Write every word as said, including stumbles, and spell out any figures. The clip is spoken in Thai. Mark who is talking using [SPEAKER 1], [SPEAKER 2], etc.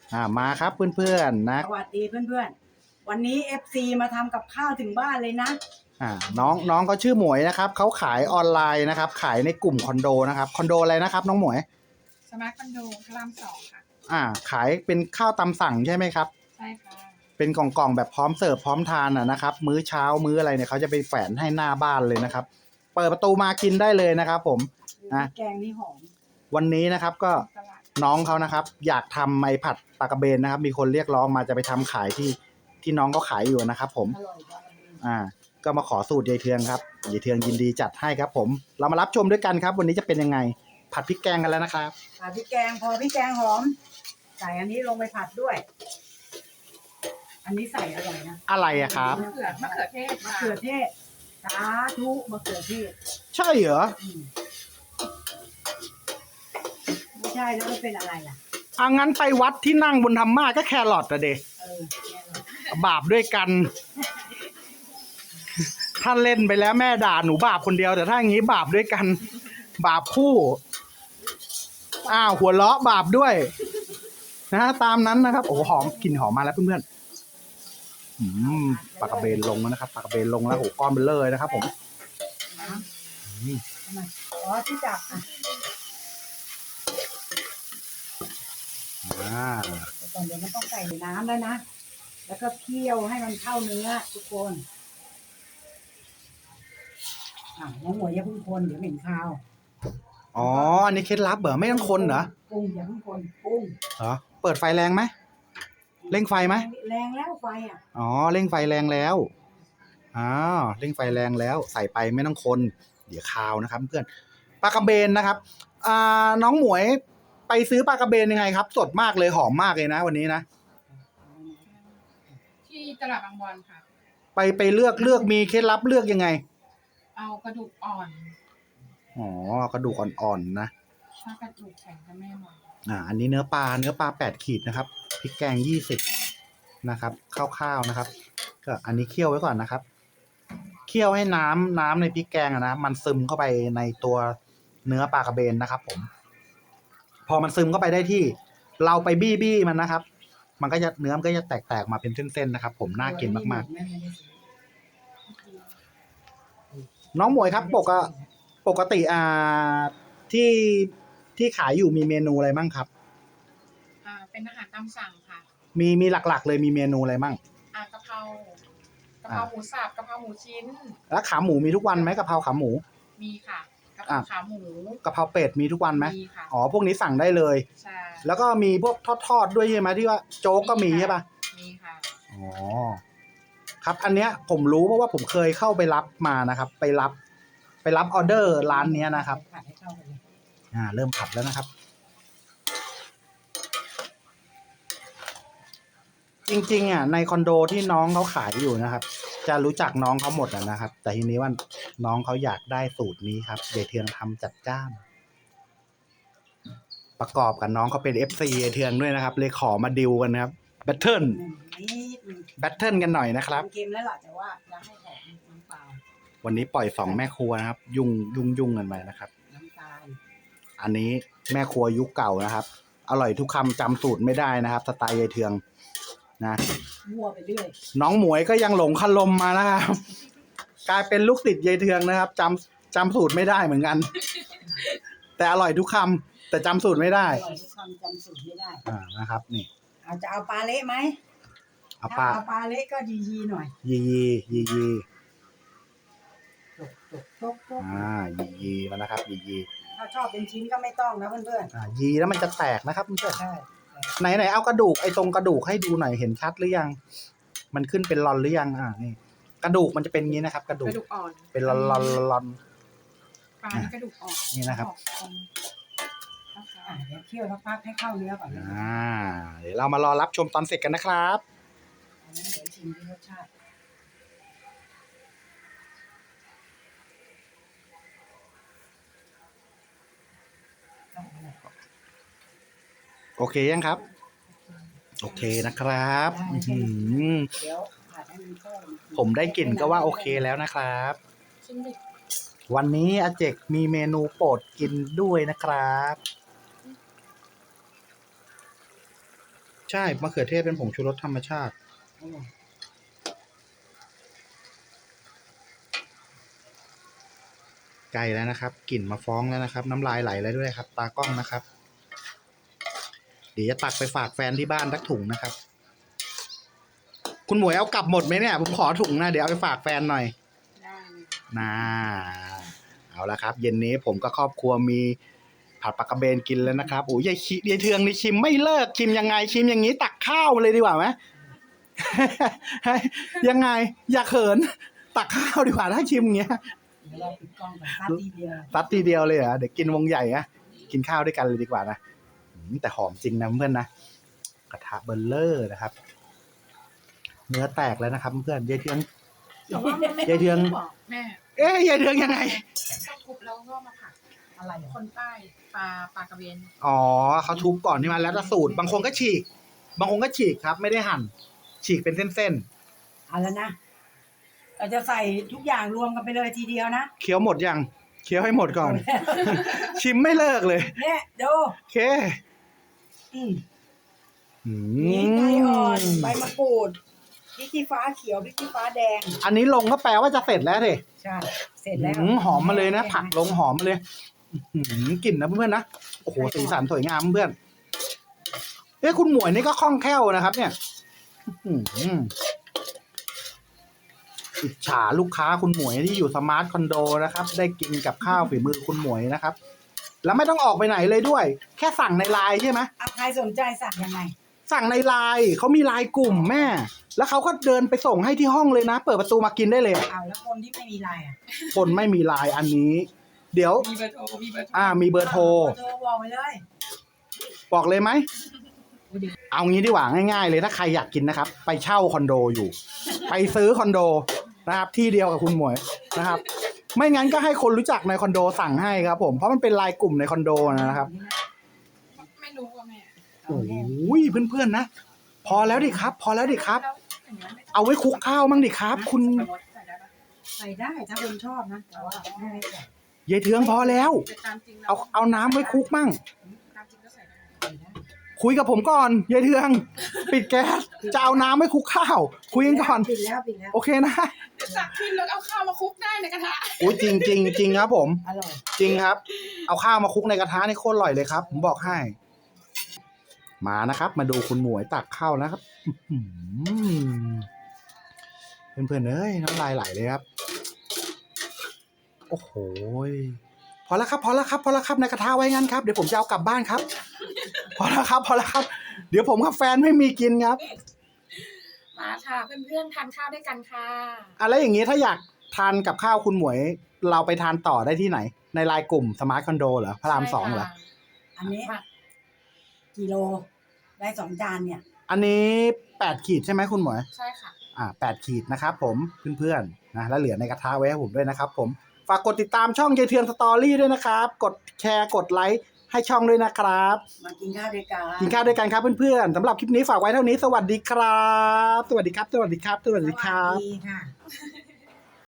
[SPEAKER 1] อ่ามาครับเพื่อนๆนะ
[SPEAKER 2] สวัสดีเพื่อนๆวันนี้ เอฟ ซี มาทำกับข้าวถึงบ้านเลยนะ
[SPEAKER 1] อ่าน้องน้องเขาชื่อหมวยนะครับเขาขายออนไลน์นะครับขายในกลุ่มคอนโดนะครับคอนโดอะไรนะครับน้องหมวย
[SPEAKER 3] สมาร์ทคอนโดพระรามสองค่ะ
[SPEAKER 1] อ่าขายเป็นข้าวตามสั่งใช่ไหมครับ
[SPEAKER 3] ใช่ค่ะ
[SPEAKER 1] เป็นกล่องๆแบบพร้อมเสิร์ฟพร้อมทานอ่ะนะครับมื้อเช้ามื้ออะไรเนี่ยเขาจะไปแฝนให้หน้าบ้านเลยนะครับเปิดประตูมากินได้เลยนะครับผมนะ
[SPEAKER 2] แกงนี่หอม
[SPEAKER 1] วันนี้นะครับก็น้องเขานะครับอยากทำไม้ผัดปลากระเบนนะครับมีคนเรียกร้องมาจะไปทำขายที่ที่น้องเขาขายอยู่นะครับผมอ่าก็มาขอสูตรยายเทืองครับยายเทืองยินดีจัดให้ครับผมเรามารับชมด้วยกันครับวันนี้จะเป็นยังไงผัดพริกแกงกันแล้วนะครับ
[SPEAKER 2] ผัดพริกแกงพอพริกแกงหอมใส่อันนี้ลงไปผัดด้วยอันนี้ใส่อร่อยนะ
[SPEAKER 1] อะไรอะครับ
[SPEAKER 3] มะเขือมะเขือเทศ
[SPEAKER 2] มะเขือเทศสาธุมะเขือเทศ
[SPEAKER 1] ใช่เหรอ
[SPEAKER 2] ไม่ใช่แล้วมันเป็นอะไรล่ะ
[SPEAKER 1] อ่ะงั้นไปวัดที่นั่งบนธรรมาก็แครอทอะเดบาปด้วยกันถ้าเล่นไปแล้วแม่ด่าหนูบาปคนเดียวแต่ถ้าอย่างนี้บาปด้วยกันบาปคู่อ้าวหัวเราะบาปด้วยนะตามนั้นนะครับโอ้หอมกลิ่นหอมมาแล้วเพื่อนๆอืมปลากระเบนลงแล้วนะครับปลากระเบนลงแล้วโอ้ก้อนเบลเลยนะครับผม
[SPEAKER 2] อ๋อที่จับอ่ะ
[SPEAKER 1] อ่า
[SPEAKER 2] ตอนเดี๋ยวมันต้องใส่ในน้ำแล้วนะแล้วก็เคี่ยวให้มันเข้าเนื้อทุกคนอ่ะน้องหมวยอย่าเพิ่งคนเดี๋ยวเหม็นคาว
[SPEAKER 1] อ๋ออันนี้เคล็ดลับเหรอไม่ต้องคนเหรอ
[SPEAKER 2] ปรุงอย่าเพิ่งคนปรุง
[SPEAKER 1] เหรอเปิดไฟแรงไหมเร่งไฟไหม
[SPEAKER 2] แรงแล้วไฟอ่ะ
[SPEAKER 1] อ๋อเร่งไฟแรงแล้วอ้าวเร่งไฟแรงแล้วใส่ไปไม่ต้องคนเดี๋ยวคาวนะครับเพื่อนปลากระเบนนะครับอ่าน้องหมวยไปซื้อปลากระเบนยังไงครับสดมากเลยหอมมากเลยนะวันนี้นะ
[SPEAKER 3] ที่ตลาดบางบอนค่ะ
[SPEAKER 1] ไปไปเลือกเลือกมีเคล็ดลับเลือกยังไง
[SPEAKER 3] เอากระดูกอ่อน
[SPEAKER 1] อ๋อกระดูกอ่อนๆนะ
[SPEAKER 3] ถ้ากระดูกแข็งจะไม่อร่อย
[SPEAKER 1] อ่าอันนี้เนื้อปลาเนื้อปลาแปดขีดนะครับพริกแกงยี่สิบนะครับคร่าวๆนะครับก็อันนี้เคี่ยวไว้ก่อนนะครับเคี่ยวให้น้ำน้ำในพริกแกงนะมันซึมเข้าไปในตัวเนื้อปลากระเบนนะครับผมพอมันซึมเข้าไปได้ที่เราไปบี้บี้มันนะครับมันก็จะเนื้อมันก็จะแตกๆมาเป็นเส้นๆนะครับผมน่ากินมากๆน้องหมวยครับปกติปกติอ่าที่ที่ขายอยู่มีเมนูอะไรบ้างครับ
[SPEAKER 3] อ่าเป็นอาหารตามสั่งค่ะ
[SPEAKER 1] มีมีหลักๆเลยมีเมนูอะไรบ้าง
[SPEAKER 3] อ่ากะเพรากะเพราหมูสับกะเพราหมูชิ้น
[SPEAKER 1] แล้วขาหมูมีทุกวันไหมกะเพราขาหมู
[SPEAKER 3] มีค่ะกะเพราขาหมู
[SPEAKER 1] กะเพราเป็ดมีทุกวันไหม
[SPEAKER 3] มีค่ะ
[SPEAKER 1] อ๋อพวกนี้สั่งได้เลย
[SPEAKER 3] ใช่
[SPEAKER 1] แล้วก็มีพวกทอดๆด้วยใช่ไหมที่ว่าโจ๊กก็มีใช่ป่ะ
[SPEAKER 3] มีค่ะ
[SPEAKER 1] อ๋อครับอันเนี้ยผมรู้เพราะว่าผมเคยเข้าไปรับมานะครับไปรับไปรับออเดอร์ร้านเนี้ยนะครับอ่าเริ่มผัดแล้วนะครับจริงๆอ่ะในคอนโดที่น้องเขาขายอยู่นะครับจะรู้จักน้องเขาหมดนะครับแต่ทีนี้ว่าน้องเขาอยากได้สูตรนี้ครับยายเทืองทำจัดจ้านประกอบกับน้องเขาเป็น เอฟ ซี ยายเทืองด้วยนะครับเลยขอมาดิวกันนะครับแบทเทิลแบทเทิลกันหน่อยนะครับ
[SPEAKER 2] เกมแล้วล่ะแต่ว่าจะให้หอมน้ำเปล่า
[SPEAKER 1] วันนี้ปล่อยสองแม่ครัวนะครับยุ่งยุ่งยุ่งกันไปนะครับ
[SPEAKER 2] น้ำตาล
[SPEAKER 1] อันนี้แม่ครัวยุคเก่านะครับอร่อยทุกคำจำสูตรไม่ได้นะครับสไตล์ยายเทืองนะ
[SPEAKER 2] มั่วไปเรื่อย
[SPEAKER 1] น้องหมวยก็ยังหลงคลมมานะครับกลายเป็นลูกติดยายเทืองนะครับจำจำสูตรไม่ได้เหมือนกันแต่อร่อยทุกคำแต่จำสูตรไม่ได้
[SPEAKER 2] อร่อยทุกคำจำสูตรไม่ได้
[SPEAKER 1] อ่านะครับนี่
[SPEAKER 2] เอาจะเอาปลาเละไหม
[SPEAKER 1] เอาปลา
[SPEAKER 2] เอาปลาเละก็ยียีหน่อย
[SPEAKER 1] ยียียียี
[SPEAKER 2] จกจกจกจก
[SPEAKER 1] อ่ายียีมานะครับยียี
[SPEAKER 2] ถ้าชอบเป็นชิ้นก็ไม่ต้องนะเพื่อน
[SPEAKER 1] ๆอ่ายีแล้วมันจะแตกนะครับเพื่อน
[SPEAKER 2] ใช่
[SPEAKER 1] ไหนไหนเอากระดูกไอ้ตรงกระดูกให้ดูหน่อยเห็นชัดหรือยังมันขึ้นเป็นรอนหรือยังอ่านี่กระดูกมันจะเป็นงี้นะครับกระดูก
[SPEAKER 3] อ่อน
[SPEAKER 1] เป็นรอนรอนรอน
[SPEAKER 3] ปลาที่กระดูกอ่อน
[SPEAKER 1] นี่นะครับ
[SPEAKER 2] เดี๋ยวเคี่ยวสักพักให้เข้าเนื้อก่อน
[SPEAKER 1] อ่าเดี๋ยวเรามารอรับชมตอนเสร็จกันนะครับ
[SPEAKER 2] อันนี้เดี๋ยวชิมที่รสชาติ
[SPEAKER 1] โอเคยังครับโอเคนะครับผมได้กลิ่นก็ว่าโอเคแล้วนะครับวันนี้อาเจกมีเมนูโปรดกินด้วยนะครับชใช่มะเขือเทศเป็นผงชูรสธรรมชาติ
[SPEAKER 2] อร่อย
[SPEAKER 1] ไกลแล้วนะครับกลิ่นมาฟ้องแล้วนะครับ น้ำลายไหลแล้วด้วยครับ ตากล้องนะครับ เดี๋ยวจะตักไปฝากแฟนที่บ้านสักถุงนะครับ คุณหมวยเอากลับหมดไหมเนี่ยผมขอถุงนะเดี๋ยวเอาไปฝากแฟนหน่อย
[SPEAKER 2] ได้เลย
[SPEAKER 1] น่าเอาละครับ เย็นนี้ผมก็ครอบครัวมีผัดปลากระเบนกินแล้วนะครับโอ้ยยายชิยายเทืองนี่ชิมไม่เลิกชิมยังไงชิมอย่างนี้ตักข้าวเลยดีกว่าไหม ยังไง อย่าเขิน ตักข้าวดีกว่าถ้าชิมอย่างเงี้ย
[SPEAKER 2] เดี๋ยวเราปิดกล้องก่อนซัดทีเดียว
[SPEAKER 1] ซัดทีเดียวเลยเหรอเดี๋ยวกินวงใหญ่อะกินข้าวด้วยกันเลยดีกว่านะอืมแต่หอมจริงนะเพื่อนนะกระทะเบลเลอร์นะครับ เนื้อแตกแล้วนะครับเพื่อนยายเทือง
[SPEAKER 3] แต่ว่ามันไม่
[SPEAKER 1] ยายเทือง
[SPEAKER 3] บอกแม่
[SPEAKER 1] เอ๊ยยายเทืองยังไง
[SPEAKER 3] ต้องทุบแล้วก็มาผัด
[SPEAKER 2] อะไรอ่ะ
[SPEAKER 3] คนใต้ปลาปลากระเบน
[SPEAKER 1] อ๋อเขาทุบก่อนนี่มาแล้วแต่สูตร บางคนก็ฉีก บางคนก็ฉีกครับ ไม่ได้หั่น ฉีกเป็นเส้น
[SPEAKER 2] เอาแล้วนะเราจะใส่ทุกอย่างรวมกันไปเลยทีเดียวนะ
[SPEAKER 1] ๆเคี้ยวหมดยังเคี้ยวให้หมดก่อน ชิมไม่เลิกเลย
[SPEAKER 2] เนี่ยดู
[SPEAKER 1] โอเค
[SPEAKER 2] อืม
[SPEAKER 1] อื
[SPEAKER 2] นี่ไก่อ่อน
[SPEAKER 1] ม
[SPEAKER 2] ใบมะกรูดพริกขี้ฟ้าเขียวพริกขี้ฟ้าแดง
[SPEAKER 1] อันนี้ลงก็แปลว่าจะเสร็จแล้วดิ
[SPEAKER 2] ใช่ เสร็จแล้ว
[SPEAKER 1] อืมหอมมาเลยนะ ผักลงหอมมาเลยอื้อหือกลิ่นนะเพื่อนๆนะโอ้โหสีสันสวยงามเพื่อนเอ้คุณหมวยนี่ก็คล่องแคล่วนะครับ เนี่ยอื้อหืออิจฉาลูกค้าคุณหมวยที่อยู่สมาร์ทคอนโดนะครับ ได้กินกับข้าวฝีมือคุณหมวยนะครับ แล้วไม่ต้องออกไปไหนเลยด้วย แค่สั่งในไลน์ใช่ไหม
[SPEAKER 2] อ่ะใครสนใจสั่งยังไง
[SPEAKER 1] สั่งในไลน์เขามีไลน์กลุ่มแม่ แล้วเขาก็เดินไปส่งให้ที่ห้องเลยนะ เปิดประตูมากินได้เลย
[SPEAKER 2] เอาแล้วคนที่ไม่มีไลน์อ่ะ
[SPEAKER 1] คนไม่มีไลน์อันนี้ เดี๋ยว
[SPEAKER 3] มีเบอร์โทรมีเบอร์โทร
[SPEAKER 1] อ่ามีเบอร์โทร
[SPEAKER 2] โทรบอกไปเลย
[SPEAKER 1] บอกเลยไหม เอางี้ดีกว่าง่ายๆเลยถ้าใครอยากกินนะครับ ไปเช่าคอนโดอยู่ ไปซื้อคอนโดนะครับ ที่เดียวกับคุณหมวยนะครับ ไม่งั้นก็ให้คนรู้จักในคอนโดสั่งให้ครับ ผมเพราะมันเป็นไลน์กลุ่มในคอนโดนะครับ
[SPEAKER 3] ไม่รู้ว่าแม่
[SPEAKER 1] โอ้ยเพื่อนๆนะพอแล้วดิครับ พอแล้วดิครับ
[SPEAKER 3] แล้วอย่างนี้ยไม่ต้อง
[SPEAKER 1] เอาไว้คลุกข้าวมั่งดิครับ คุณ
[SPEAKER 3] ใส่รสใส่ได้ปะ
[SPEAKER 2] ใส่ได้ถ้าคนชอบนะแต่ว่าไม่ให้ใส่
[SPEAKER 1] ยายเทืองพอแล้ว
[SPEAKER 3] แต่ตามจริงแล้ว
[SPEAKER 1] เอาเอาน้ำไว้คลุกมั่ง
[SPEAKER 3] ตามจริงก็ใส่ได้
[SPEAKER 2] ใส่ได้
[SPEAKER 1] คุยกับผมก่อนยายเทือง ปิดแก๊สจะเอาน้ำไว้คลุกข้าว คุยกันก่อน
[SPEAKER 2] ปิดแล้วปิดแล้ว
[SPEAKER 1] โอเคนะ
[SPEAKER 3] เดี๋ยวตักขึ้นแล้วเอาข้าวมาคลุกได้ในกระทะ
[SPEAKER 1] โอ้ยจริงจริงจริงครับผม
[SPEAKER 2] อร่อย
[SPEAKER 1] จริงครับ เอาข้าวมาคลุกในกระทะนี่โคตรอร่อยเลยครับ ผมบอกให้ มานะครับ มาดูคุณหมวยตักข้าวนะครับอื้อหือเพื่อนๆเอ้ยน้ำลายไหลเลยครับ โอ้โหยพอแล้วครับ พอแล้วครับ พอแล้วครับในกระทะไว้งั้นครับ เดี๋ยวผมจะเอากลับบ้านครับ พอแล้วครับ พอแล้วครับ เดี๋ยวผมกับแฟนไม่มีกินครับ
[SPEAKER 3] มาค่ะเพื่อนๆทานข้าวด้วยกันค่ะ
[SPEAKER 1] อะไรอย่างนี้ถ้าอยากทานกับข้าวคุณหมวย เราไปทานต่อได้ที่ไหน ในไลน์กลุ่มสมาร์ทคอนโดเหรอพระรามสองเหรอ
[SPEAKER 2] อันนี้กิโลได้สองจานเนี่ย
[SPEAKER 1] อันนี้แปดขีดใช่ไหมคุณหมวย
[SPEAKER 3] ใช่ค่ะ
[SPEAKER 1] อ่าแปดขีดนะครับผมเพื่อนๆนะแล้วเหลือในกระทะไว้ให้ผมด้วยนะครับผมฝากกดติดตามช่องยายเทืองสตอรี่ด้วยนะครับ กดแชร์กดไลค์ให้ช่องด้วยนะครับ
[SPEAKER 2] มากินข้าวด้วยกัน
[SPEAKER 1] กินข้าวด้วยกันครับเพื่อนๆสำหรับคลิปนี้ฝากไว้เท่านี้สวัสดีครับ สวัสดีครับ สวัสดีครับ สวัสดีครับ
[SPEAKER 2] สวัสดีค่ะ